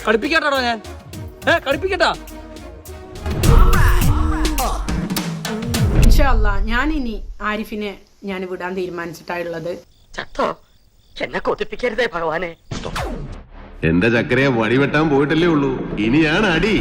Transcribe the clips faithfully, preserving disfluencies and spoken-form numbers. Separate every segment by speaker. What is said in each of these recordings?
Speaker 1: കളിപ്പിക്കട്ടോ ഞാൻ ഏ കളിപ്പിക്കട്ടാ.
Speaker 2: ഞാൻ ഇനി ആരിഫിനെ ഞാൻ വിടാൻ തീരുമാനിച്ചിട്ടായുള്ളത്.
Speaker 3: എന്നെ കൊതിപ്പിക്കരുതേ ഭഗവാനെ.
Speaker 4: എന്റെ ചക്കരയെ വടിവെട്ടാൻ പോയിട്ടല്ലേ ഉള്ളൂ, ഇനിയാണ് അടി.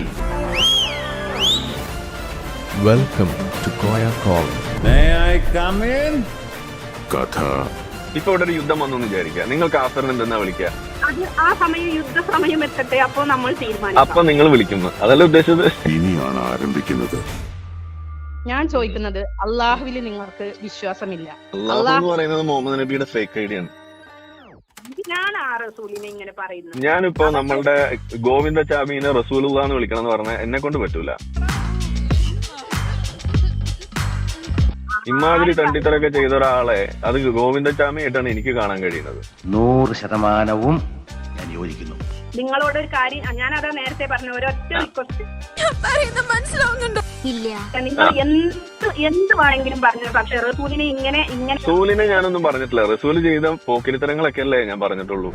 Speaker 5: Welcome to Koya call.
Speaker 6: May I come in?
Speaker 4: കഥ
Speaker 7: ഇപ്പൊ ഇവിടെ ഒരു യുദ്ധം വന്നു വിചാരിക്കുക, നിങ്ങൾ കാഫറിന് എന്തെന്നാ വിളിക്കുക?
Speaker 8: അത് ആ സമയം യുദ്ധ സമയം എത്തട്ടെ, അപ്പൊ നമ്മൾ തീരുമാനിക്കും.
Speaker 7: അപ്പൊ നിങ്ങൾ വിളിക്കുന്നു, അതല്ല ഉദ്ദേശിച്ചത്.
Speaker 4: ഇനിയാണ് ആരംഭിക്കുന്നത്.
Speaker 2: ഞാൻ ചോദിക്കുന്നത്, അള്ളാഹുവിൽ നിങ്ങൾക്ക് വിശ്വാസമില്ല?
Speaker 7: അള്ളാഹു എന്ന് പറയുന്നത് മുഹമ്മദ് നബിയുടെ ഫേക്ക് ഐഡിയ ആണ്.
Speaker 8: ഞാൻ ആ റസൂലിനെ ഇങ്ങനെ പറയുന്നത്.
Speaker 7: ഞാനിപ്പോ നമ്മളുടെ ഗോവിന്ദ ചാമീനെ റസൂലുള്ള എന്ന് വിളിക്കണം എന്ന് പറഞ്ഞാൽ എന്നെ കൊണ്ട് പറ്റൂല. ഇമാതിരി തണ്ടിത്തരൊക്കെ ചെയ്ത ഒരാളെ അത് ഗോവിന്ദ ചാമിയായിട്ടാണ് എനിക്ക് കാണാൻ കഴിയുന്നത്.
Speaker 9: നൂറ് ശതമാനവും ഞാൻ യോജിക്കുന്നു.
Speaker 8: നിങ്ങളോട് ഒരു കാര്യം ഞാൻ അതാ നേരത്തെ പറഞ്ഞ ഒരൊറ്റ റിക്വസ്റ്റ്, നിങ്ങൾ എന്ത് എന്ത് വേണമെങ്കിലും പറഞ്ഞു, പക്ഷെ റസൂലിനെ ഇങ്ങനെ ഇങ്ങനെ.
Speaker 7: റസൂലിനെ ഞാനൊന്നും പറഞ്ഞിട്ടില്ല. റസൂല് ചെയ്ത പോക്കിരിത്തരങ്ങളൊക്കെ അല്ലേ ഞാൻ പറഞ്ഞിട്ടുള്ളൂ.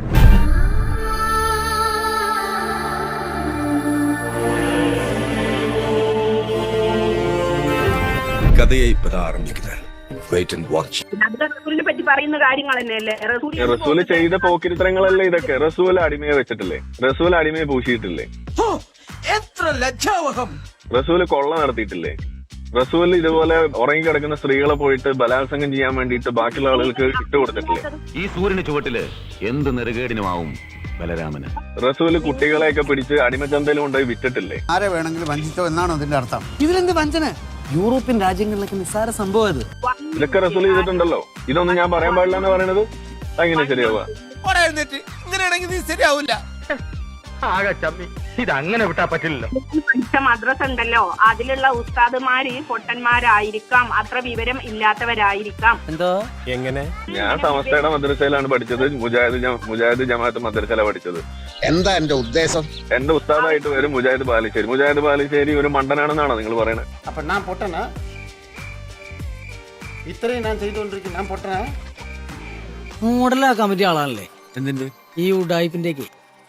Speaker 5: കഥയെ ഇപ്പോ ആരംഭിക്കുന്നത്. Wait and watch.
Speaker 8: റസൂലിനെ പറ്റി പറയുന്ന കാര്യങ്ങൾ തന്നെയല്ലേ.
Speaker 7: റസൂല് ചെയ്ത പോക്കിരിത്തരങ്ങളല്ലേ ഇതൊക്കെ. റസൂല് അടിമയെ വെച്ചിട്ടില്ലേ, റസൂല് അടിമയെ പൂശിയിട്ടില്ലേ,
Speaker 1: എത്ര ലജ്ജാവഹം.
Speaker 7: റസൂല് കൊള്ള നടത്തിയിട്ടില്ലേ, റസൂല് ഇതുപോലെ ഉറങ്ങി കിടക്കുന്ന സ്ത്രീകളെ പോയിട്ട് ബലാത്സംഗം ചെയ്യാൻ വേണ്ടിയിട്ട് ബാക്കിയുള്ള ആളുകൾക്ക് ഇട്ട് കൊടുത്തിട്ടില്ലേ.
Speaker 9: ഈ സൂര്യന് ചുവട്ടില് എന്ത് നെറുകേടിനുമാവും ബലരാമന്.
Speaker 7: റസൂല് കുട്ടികളെയൊക്കെ പിടിച്ച് അടിമച്ചന്തയിൽ കൊണ്ടുപോയി വിറ്റിട്ടില്ലേ.
Speaker 10: ആരെ വേണമെങ്കിലും വഞ്ചിച്ചോ എന്നാണോ അതിന്റെ അർത്ഥം?
Speaker 1: ഇതിലെന്ത് വഞ്ചന? യൂറോപ്യൻ രാജ്യങ്ങളിലൊക്കെ നിസ്സാര സംഭവം ഇത്.
Speaker 7: ഇതൊക്കെ റസൂൽ ചെയ്തിട്ടുണ്ടല്ലോ. ഇതൊന്നും ഞാൻ പറയാൻ പാടില്ല എന്ന് പറയുന്നത് അങ്ങനെ ശരിയാവുക?
Speaker 1: ഇങ്ങനെയാണെങ്കിൽ നീ ശരിയാവില്ല.
Speaker 3: ആകെ ചമ്മി. ഇതങ്ങനെ വിട്ടാ പറ്റില്ലല്ലോ.
Speaker 8: പഠിച്ച മദ്രസ ഉണ്ടല്ലോ, അതിലുള്ള ഉസ്താദുമാര് പൊട്ടന്മാരായിരിക്കാം, അത്ര വിവരം ഇല്ലാത്തവരായിരിക്കാം.
Speaker 1: എന്തോ
Speaker 5: എങ്ങനെ?
Speaker 7: ഞാൻ സമസ്തയുടെ മദ്രസയിലാണ് പഠിച്ചത്, മുജാഹിദ് മുജാഹിദ് ജമാഅത്ത് മദ്രസയിലാണ് പഠിച്ചത്.
Speaker 10: എന്താ എന്റെ ഉദ്ദേശം?
Speaker 7: എന്റെ ഉസ്താദായിട്ട് വരും മുജാഹിദ് ബാലുശ്ശേരി. മുജാഹിദ് ബാലുശ്ശേരി ഒരു മണ്ടനാണെന്നാണോ നിങ്ങൾ പറയുന്നത്?
Speaker 10: അപ്പൊ ഞാൻ പൊട്ടനാ? ഇത്രയും ഞാൻ ചെയ്തുകൊണ്ടിരിക്കും, ഞാൻ പൊട്ടനാ?
Speaker 1: മോഡലാക്കാൻ പറ്റിയ ആളാണല്ലേ. എന്തിന്റെ ഈ ഉഡായിപ്പിന്റെയൊക്കെ.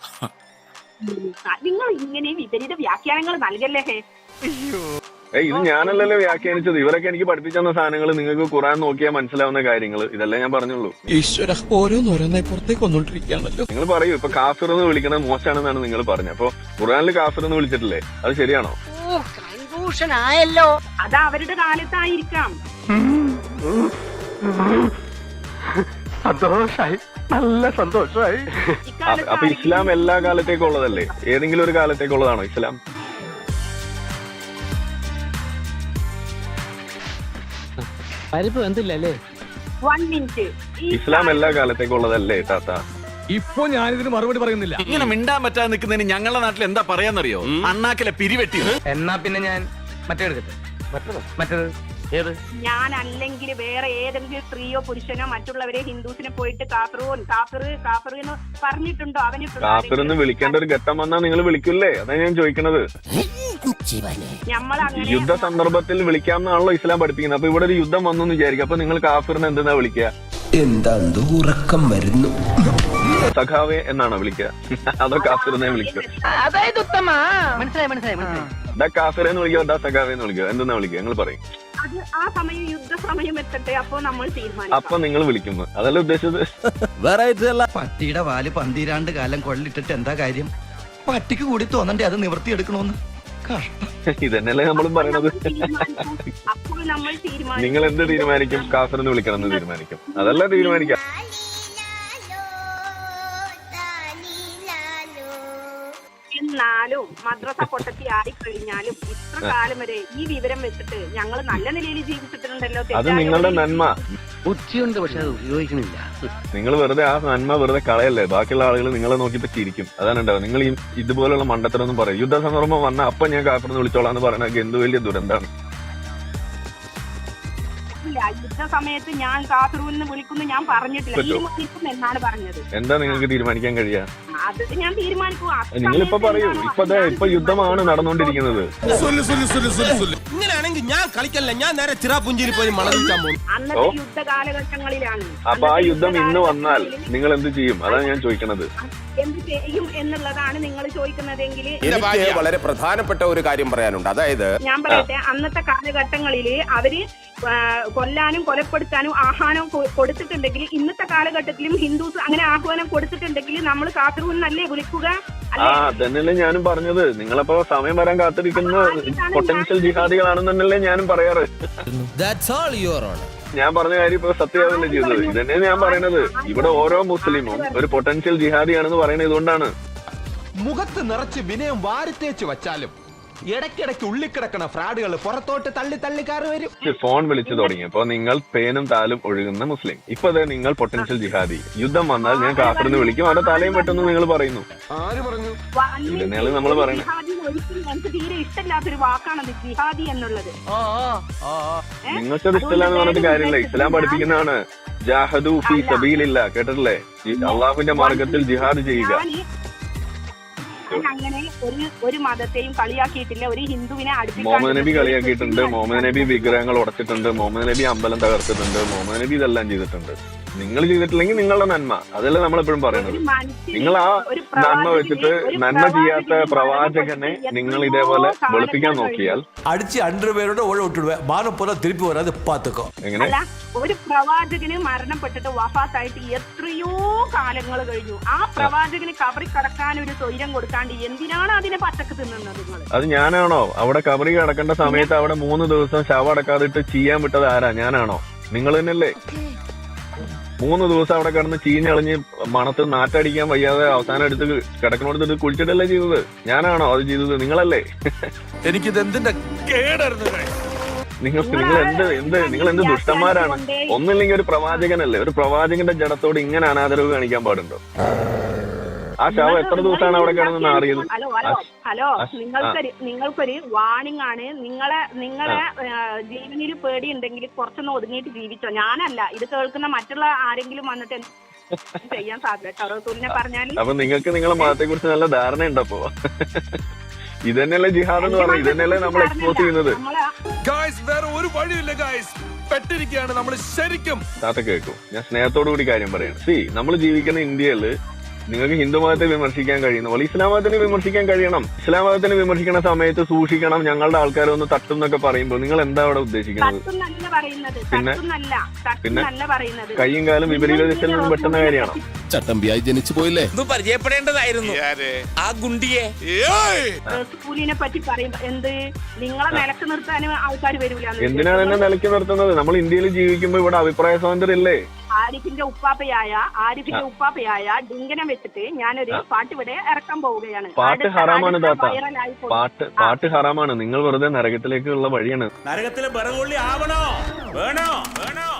Speaker 8: നിങ്ങൾ ഇങ്ങനെ വിപരീത വ്യാഖ്യാനങ്ങൾ നൽകല്ലേ.
Speaker 7: ഏയ് ഇത് ഞാനല്ലല്ലോ വ്യാഖ്യാനിച്ചത്. ഇവരൊക്കെ എനിക്ക് പഠിപ്പിച്ചു തന്ന സാധനങ്ങൾ നിങ്ങൾക്ക് ഖുർആൻ നോക്കിയാൽ മനസ്സിലാവുന്ന കാര്യങ്ങൾ ഇതല്ലേ ഞാൻ പറഞ്ഞുള്ളൂ.
Speaker 5: ഈശ്വര ഓരോന്നോരോന്നായി പുറത്തേക്ക് വന്നോണ്ടിരിക്കുകയാണല്ലോ.
Speaker 7: നിങ്ങൾ പറയൂ, ഇപ്പൊ കാഫിർ എന്ന് വിളിക്കുന്നത് മോശമാണെന്നാണ് നിങ്ങൾ പറഞ്ഞത്. അപ്പൊ ഖുർആനിൽ കാഫിർ എന്ന് വിളിച്ചിട്ടില്ലേ, അത് ശരിയാണോ?
Speaker 3: ആയല്ലോ.
Speaker 8: അത് അവരുടെ കാലത്തായിരിക്കാം.
Speaker 3: സന്തോഷായി, നല്ല സന്തോഷായി.
Speaker 7: അപ്പൊ ഇസ്ലാം എല്ലാ കാലത്തേക്കും ഉള്ളതല്ലേ? ഏതെങ്കിലും ഒരു കാലത്തേക്കുള്ളതാണോ ഇസ്ലാം?
Speaker 1: പരിപ്പ് എന്തില്ലല്ലേ?
Speaker 8: One minute.
Speaker 7: ഇസ്ലാം എല്ലാ കാലത്തേക്കും ഉള്ളതല്ലേ താത്ത?
Speaker 5: ഇപ്പൊ ഞാനിതിന് മറുപടി പറയുന്നില്ല. ഇങ്ങനെ മിണ്ടാൻ പറ്റാതെ നിൽക്കുന്നതിന് ഞങ്ങളുടെ നാട്ടിൽ എന്താ പറയാന്നറിയോ? അണ്ണാക്കിലെ പിരിവെട്ടി.
Speaker 3: എന്നാ പിന്നെ ഞാൻ മറ്റേ എടുക്കട്ടെ. മറ്റേത് ഏത്?
Speaker 8: ഞാൻ അല്ലെങ്കിൽ വേറെ ഏതെങ്കിലും സ്ത്രീയോ പുരുഷനോ മറ്റുള്ളവരെ ഹിന്ദുസിനെ പോയിട്ട് കാഫിറൂൻ കാഫിർ കാഫിർ എന്ന് പറഞ്ഞിട്ടുണ്ടോ? അവന്
Speaker 7: കാഫിർ എന്ന് വിളിക്കേണ്ട ഒരു ഘട്ടം വന്നാൽ നിങ്ങൾ വിളിക്കില്ലേ? അതാ ഞാൻ ചോദിക്കണത്. യുദ്ധ സന്ദർഭത്തിൽ വിളിക്കാമെന്നാണല്ലോ ഇസ്ലാം പഠിപ്പിക്കുന്നത്. അപ്പൊ ഇവിടെ ഒരു യുദ്ധം വന്നു എന്ന് വിചാരിക്കും, അപ്പൊ നിങ്ങൾ കാഫിറിനെ എന്തെന്നാ വിളിക്കുക?
Speaker 9: എന്താ ഉറക്കം വരുന്നു?
Speaker 7: സഖാവെ എന്നാണോ വിളിക്കുക? അതോ കാഫിറിനെ വിളിക്കുക?
Speaker 3: അതായത് ഉത്തമ. മനസ്സിലായി മനസ്സിലായി മനസ്സിലായി.
Speaker 7: ഡാ കാഫിറെ എന്ന് വിളിക്കുക, ഡാ സഖാവെ എന്ന് വിളിക്കുക, എന്തെന്നാ വിളിക്കുക? നിങ്ങൾ പറയും.
Speaker 8: അത് ആ സമയം യുദ്ധ സമയം എത്തട്ടെ, അപ്പൊ നമ്മൾ തീരുമാനിക്കും.
Speaker 7: അപ്പൊ നിങ്ങൾ വിളിക്കുന്നു, അതല്ല ഉദ്ദേശിച്ചത്.
Speaker 9: പട്ടിയുടെ വാല് പന്തിരാണ്ട് കാലം കൊള്ളിട്ടിട്ട് എന്താ കാര്യം? പട്ടിക്ക് കൂടി തോന്നണ്ടേ അത് നിവർത്തിയെടുക്കണോന്ന്?
Speaker 7: ഇതന്നെയല്ലേ നമ്മളും പറയണത്.
Speaker 8: അപ്പോൾ നമ്മൾ തീരുമാനിക്കും.
Speaker 7: നിങ്ങൾ എന്ത് തീരുമാനിക്കും? കാഫിറെന്ന് വിളിക്കണം എന്ന് തീരുമാനിക്കും, അതല്ല തീരുമാനിക്കാം.
Speaker 8: എന്നാലും മദ്രസ പൊട്ടത്തി ആയിക്കഴിഞ്ഞാലും ഇത്ര കാലം വരെ ഈ വിവരം വെച്ചിട്ട് ഞങ്ങൾ നല്ല നിലയിൽ ജീവിച്ചിട്ടുണ്ടല്ലോ.
Speaker 7: അത് നിങ്ങളുടെ നന്മ.
Speaker 3: ബുദ്ധിയുണ്ട്, പക്ഷെ അത് ഉപയോഗിക്കണില്ല.
Speaker 7: നിങ്ങൾ വെറുതെ ആ നന്മ വെറുതെ കളയല്ലേ. ബാക്കിയുള്ള ആളുകൾ നിങ്ങളെ നോക്കിപ്പോ ചിരിക്കും, അതാണ് ഉണ്ടാവും. നിങ്ങൾ ഈ ഇതുപോലുള്ള മണ്ടത്തരൊന്നും പറയും. യുദ്ധ സന്ദർഭം വന്നാൽ അപ്പൊ ഞാൻ കാഫിറെന്ന് വിളിച്ചോളാന്ന് പറയണത് എന്ത് വലിയ ദുരന്താണ്.
Speaker 8: യുദ്ധ സമയത്ത് ഞാൻ കാഫിറൂന്ന് വിളിക്കുന്നു ഞാൻ പറഞ്ഞിട്ടില്ല, തീരുമാനിക്കും എന്നാണ് പറഞ്ഞത്.
Speaker 7: എന്താ നിങ്ങൾക്ക് തീരുമാനിക്കാൻ കഴിയാ?
Speaker 8: അത് ഞാൻ തീരുമാനിക്കും.
Speaker 7: നിങ്ങളിപ്പോ പറയൂ. ഇപ്പൊ ഇപ്പൊ യുദ്ധമാണ് നടന്നുകൊണ്ടിരിക്കുന്നത്.
Speaker 1: ഇങ്ങനെയാണെങ്കിൽ ഞാൻ കളിക്കല്ല, ഞാൻ നേരെ ചിറാപുഞ്ചിയിൽ പോയി മണം വിൽക്കാൻ പോകും.
Speaker 8: അന്നത്തെ യുദ്ധ കാലഘട്ടങ്ങളിലാണ്.
Speaker 7: അപ്പൊ ആ യുദ്ധം ഇന്ന് വന്നാൽ നിങ്ങൾ എന്ത് ചെയ്യും? അതാണ് ഞാൻ ചോദിക്കണത്.
Speaker 8: എന്ത് ചെയ്യും എന്നുള്ളതാണ് നിങ്ങൾ ചോദിക്കുന്നതെങ്കിൽ
Speaker 11: എനിക്ക് വളരെ പ്രധാനപ്പെട്ട ഒരു കാര്യം പറയാനുണ്ട്. അതായത്
Speaker 8: ഞാൻ പറയട്ടെ, അന്നത്തെ കാലഘട്ടങ്ങളിൽ അവര് കൊല്ലാനും കൊലപ്പെടുത്താനും ആഹ്വാനം കൊടുത്തിട്ടുണ്ടെങ്കിൽ ഇന്നത്തെ കാലഘട്ടത്തിലും ഹിന്ദുസ് അങ്ങനെ ആഹ്വാനം കൊടുത്തിട്ടുണ്ടെങ്കിൽ നമ്മൾ കാസർഗോഡ് നല്ലേ വിളിക്കുക?
Speaker 7: ആ തന്നെയല്ലേ ഞാനും പറഞ്ഞത്. നിങ്ങളപ്പോ സമയം വരാൻ കാത്തിരിക്കുന്ന പൊട്ടൻഷ്യൽ ജിഹാദികളാണെന്നല്ലേ ഞാനും പറയാറ്. ഞാൻ പറഞ്ഞ കാര്യം ഇപ്പൊ സത്യമാവല്ലേ ചെയ്തത്. ഇതന്നെ ഞാൻ പറയണത്. ഇവിടെ ഓരോ മുസ്ലിമും ഒരു പൊട്ടൻഷ്യൽ ജിഹാദിയാണെന്ന് പറയുന്നത് ഇതുകൊണ്ടാണ്.
Speaker 9: മുഖത്ത് നിറച്ച് വിനയം വാരിത്തേച്ച് വച്ചാലും ഇടയ്ക്കിടയ്ക്ക് ഉള്ളിക്കിടക്കണ ഫ്രാഡുകൾ പുറത്തോട്ട് തള്ളി തള്ളിക്കാറ് വരും.
Speaker 7: ഫോൺ വിളിച്ചു തുടങ്ങിയപ്പോ നിങ്ങൾ പേനും താലും ഒഴുകുന്ന മുസ്ലിം. ഇപ്പൊ അതെ നിങ്ങൾ പൊട്ടൻഷ്യൽ ജിഹാദി. യുദ്ധം വന്നാൽ ഞാൻ കാഫിറിന്ന് വിളിക്കും, അവിടെ തലയും പെട്ടെന്ന് നിങ്ങൾ പറയുന്നു. ആര് പറഞ്ഞു? ഇതന്നെയാണ് നമ്മൾ പറയുന്നത്.
Speaker 8: എനിക്ക് തീരെ ഇഷ്ടമില്ലാത്തൊരു വാക്കാണത് ജിഹാദി എന്നുള്ളത്.
Speaker 7: നിങ്ങൾക്കത് ഇഷ്ടമില്ലാന്ന് പറഞ്ഞിട്ട് കാര്യമില്ല. ഇസ്ലാം പഠിപ്പിക്കുന്നതാണ് ജാഹദു ഫീ സബീലില്ല. കേട്ടിട്ടില്ലേ? അള്ളാഹുവിന്റെ മാർഗത്തിൽ ജിഹാദ് ചെയ്യുക.
Speaker 8: അങ്ങനെ ഒരു ഒരു മതത്തെയും കളിയാക്കിയിട്ടില്ല. ഒരു ഹിന്ദുവിനെ
Speaker 7: മുഹമ്മദ് നബി കളിയാക്കിയിട്ടുണ്ട്. മുഹമ്മദ് നബി വിഗ്രഹങ്ങൾ ഉടച്ചിട്ടുണ്ട്. മുഹമ്മദ് നബി അമ്പലം തകർത്തിട്ടുണ്ട്. മുഹമ്മദ് നബി ഇതെല്ലാം ചെയ്തിട്ടുണ്ട്. നിങ്ങൾ ചെയ്തിട്ടില്ലെങ്കിൽ നിങ്ങളുടെ നന്മ. അതല്ലേ നമ്മളെപ്പോഴും പറയുന്നത്. നിങ്ങൾ ആ നന്മ വെച്ചിട്ട് നന്മ ചെയ്യാത്ത പ്രവാചകനെ നിങ്ങൾ ഇതേപോലെ വെളുപ്പിക്കാൻ നോക്കിയാൽ
Speaker 9: അടിച്ച് അണ്ടർവെയറുടെ ഓഴോട്ടിടുക മാനം പോലെ തിരുപ്പി വരാതെ പാത്തുക്കോ.
Speaker 7: എങ്ങനെ?
Speaker 8: ഒരു പ്രവാചകന് മരണപ്പെട്ടിട്ട് വഫാത്തായിട്ട് എത്രയോ കാലങ്ങൾ കഴിഞ്ഞു. ആ പ്രവാചകന് കബറി കടക്കാൻ ഒരു സ്വൈരം കൊടുക്കാണ്ട് എന്തിനാണ് അതിനെ പച്ചക്ക് തിന്നുന്നത് നിങ്ങൾ?
Speaker 7: അത് ഞാനാണോ? അവിടെ കബറി കിടക്കേണ്ട സമയത്ത് അവിടെ മൂന്ന് ദിവസം ശവം അടക്കാതിട്ട് ചെയ്യാൻ വിട്ടത് ആരാ? ഞാനാണോ? നിങ്ങൾ തന്നെയല്ലേ? മൂന്ന് ദിവസം അവിടെ കിടന്ന് ചീഞ്ഞളിഞ്ഞ് മണത്ത് നാറ്റടിക്കാൻ വയ്യാതെ അവസാനം എടുത്ത് കിടക്കണോടത്ത് കുളിച്ചിട്ടല്ലേ ചെയ്തത്? ഞാനാണോ അത് ചെയ്തത്? നിങ്ങളല്ലേ?
Speaker 9: എനിക്കിത് എന്തിന്റെ കേടായിരുന്നു.
Speaker 7: നിങ്ങൾ നിങ്ങൾ എന്ത് എന്ത് നിങ്ങൾ എന്ത് ദുഷ്ടന്മാരാണ്. ഒന്നില്ലെങ്കിൽ ഒരു പ്രവാചകനല്ലേ? ഒരു പ്രവാചകന്റെ ജഡത്തോട് ഇങ്ങനെ അനാദരവ് കാണിക്കാൻ പാടുണ്ടോ? ആ ശവം എത്ര ദിവസമാണ് അവിടെ കിടന്ന് നാറിയത്?
Speaker 8: ഹലോ ഹലോ ഹലോ നിങ്ങൾക്കൊരു നിങ്ങൾക്കൊരു വാണിംഗ് ആണ്. നിങ്ങളെ നിങ്ങളെ ജീവനിൽ പേടി ഉണ്ടെങ്കിൽ കുറച്ചൊന്ന് ഒതുങ്ങിയിട്ട് ജീവിച്ചോ. ഞാനല്ല, ഇത് കേൾക്കുന്ന മറ്റുള്ള ആരെങ്കിലും വന്നിട്ട് ചെയ്യാൻ സാധ്യത റസൂലിനെ പറഞ്ഞാൽ.
Speaker 7: അപ്പൊ നിങ്ങൾക്ക് നിങ്ങളെ മതത്തെ കുറിച്ച് നല്ല ധാരണ ഉണ്ടപ്പോ? ഇതന്നെയല്ലേ ജിഹാദ് എന്ന് പറയുന്നത്? ഇതന്നെയല്ലേ നമ്മൾ എക്സ്പോസ് ചെയ്യുന്നത്?
Speaker 9: വേറെ ഒരു വഴിയില്ല ഗായ്സ്, പെട്ടിരിക്കുകയാണ് നമ്മൾ ശരിക്കും.
Speaker 7: താത്ത കേൾക്കും, ഞാൻ സ്നേഹത്തോടു കൂടി കാര്യം പറയാണ്. സി നമ്മൾ ജീവിക്കുന്ന ഇന്ത്യയില് നിങ്ങൾക്ക് ഹിന്ദു മതത്തെ വിമർശിക്കാൻ കഴിയുന്ന പോലെ ഇസ്ലാം മതത്തിനെ വിമർശിക്കാൻ കഴിയണം. ഇസ്ലാം മതത്തിനെ വിമർശിക്കുന്ന സമയത്ത് സൂക്ഷിക്കണം, ഞങ്ങളുടെ ആൾക്കാരെ ഒന്ന് തട്ടും എന്നൊക്കെ പറയുമ്പോൾ നിങ്ങൾ എന്താ അവിടെ ഉദ്ദേശിക്കുന്നത്? പിന്നെ പിന്നെ കയ്യും കാലും വിപരീത ദിശയിൽ നിന്ന് പെട്ടെന്ന കാര്യമാണോ?
Speaker 11: ചട്ടമ്പിയായി ജനിച്ചു പോയില്ലേ?
Speaker 3: പരിചയപ്പെടേണ്ടതായിരുന്നു ആ ഗുണ്ടിയെ.
Speaker 8: റസൂലിനെ പറ്റി പറയുമ്പോ എന്ത് നിങ്ങളെ നിലക്ക് നിർത്താനും ആൾക്കാർ വരൂല.
Speaker 7: എന്തിനാണ് എന്നെ നിലയ്ക്ക് നിർത്തുന്നത്? നമ്മൾ ഇന്ത്യയിൽ ജീവിക്കുമ്പോ ഇവിടെ അഭിപ്രായ സ്വാതന്ത്ര്യം ഇല്ലേ?
Speaker 8: ആരിഫിന്റെ ഉപ്പാപ്പയായ ആരിഫിന്റെ ഉപ്പാപ്പയായ ഡിങ്കനെ വെച്ചിട്ട് ഞാനൊരു പാട്ട് ഇവിടെ ഇറക്കാൻ പോവുകയാണ്.
Speaker 7: പാട്ട് ഹറാമാണ് താത്ത. പാട്ട് പാട്ട് ഹറാമാണ്. നിങ്ങൾ വെറുതെ നരകത്തിലേക്കുള്ള വഴിയാണ്.
Speaker 3: നരകത്തിലെ ബറകൊള്ളി ആവണോ? വേണോ? വേണോ?